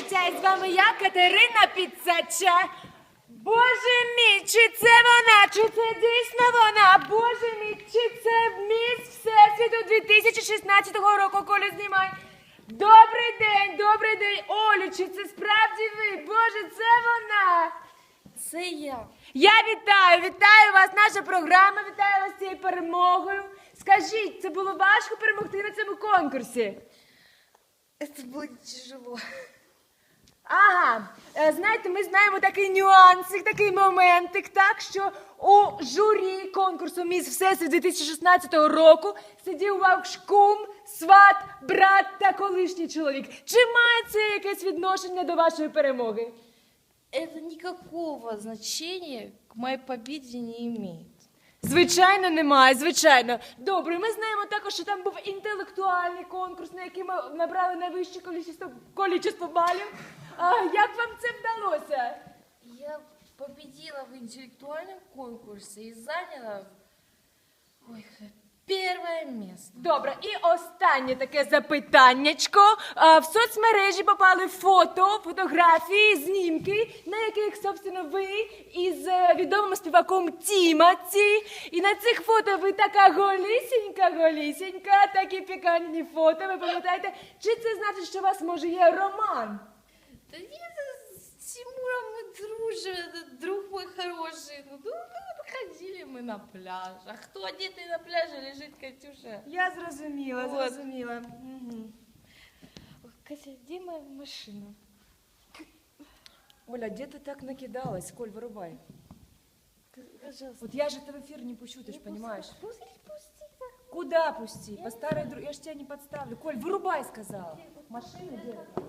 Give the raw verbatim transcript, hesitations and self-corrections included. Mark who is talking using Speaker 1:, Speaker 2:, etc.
Speaker 1: життя, і з вами я, Катерина Підсача. Боже мій, чи це вона, чи це дійсно вона? Боже мій, чи це міс Всесвіту дві тисячі шістнадцятого року, Колю знімай. Добрий день, добрий день, Олю, чи це справді ви? Боже, це вона.
Speaker 2: Це я.
Speaker 1: Я вітаю, вітаю вас, наша програма, вітаю вас з цією перемогою. Скажіть, це було важко перемогти на цьому конкурсі?
Speaker 2: Це було тяжело.
Speaker 1: Ага, е, знаєте, ми знаємо такий нюансик, такий моментик, так, що у журі конкурсу «Міс Всесвіт» дві тисячі шістнадцятого року сидів ваш кум, сват, брат та колишній чоловік. Чи має це якесь відношення до вашої перемоги?
Speaker 2: Это никакого значения к моей победе не имеет.
Speaker 1: Звичайно, немає, звичайно. Добре, ми знаємо також, що там був інтелектуальний конкурс, на який ми набрали найвище кількість кількість балів. А як вам це вдалося?
Speaker 2: Я победила в интеллектуальном конкурсе и заняла ой, первое место.
Speaker 1: Добре, і останнє таке запитаннячко. А, в соцмережі попали фото, фотографії, знімки, на яких, собственно, ви із е, відомим співаком Тімаці. І на цих фото ви така голісінька, голісінька, такі пікантні фото. Ви пам'ятаєте, чи це значить, що у вас, може, є роман?
Speaker 2: Да нет, с Тимуром мы дружим, это друг мой хороший. Ну, ну, ходили мы на пляж. А кто одетый на пляже лежит, Катюша?
Speaker 1: Я зрозуміла,
Speaker 2: Вот.
Speaker 1: зрозуміла. Угу.
Speaker 2: Ой, Катя, где моя машина?
Speaker 1: Оля, де ти так накидалась? Коль, вирубай.
Speaker 2: Пожалуйста.
Speaker 1: Вот я же это в эфир не пущу, ты ж понимаешь.
Speaker 2: Пусти, пусти, да.
Speaker 1: Куда пусти? По старой дру... Я ж тебя не подставлю. Коль, вырубай, сказала. Машина где?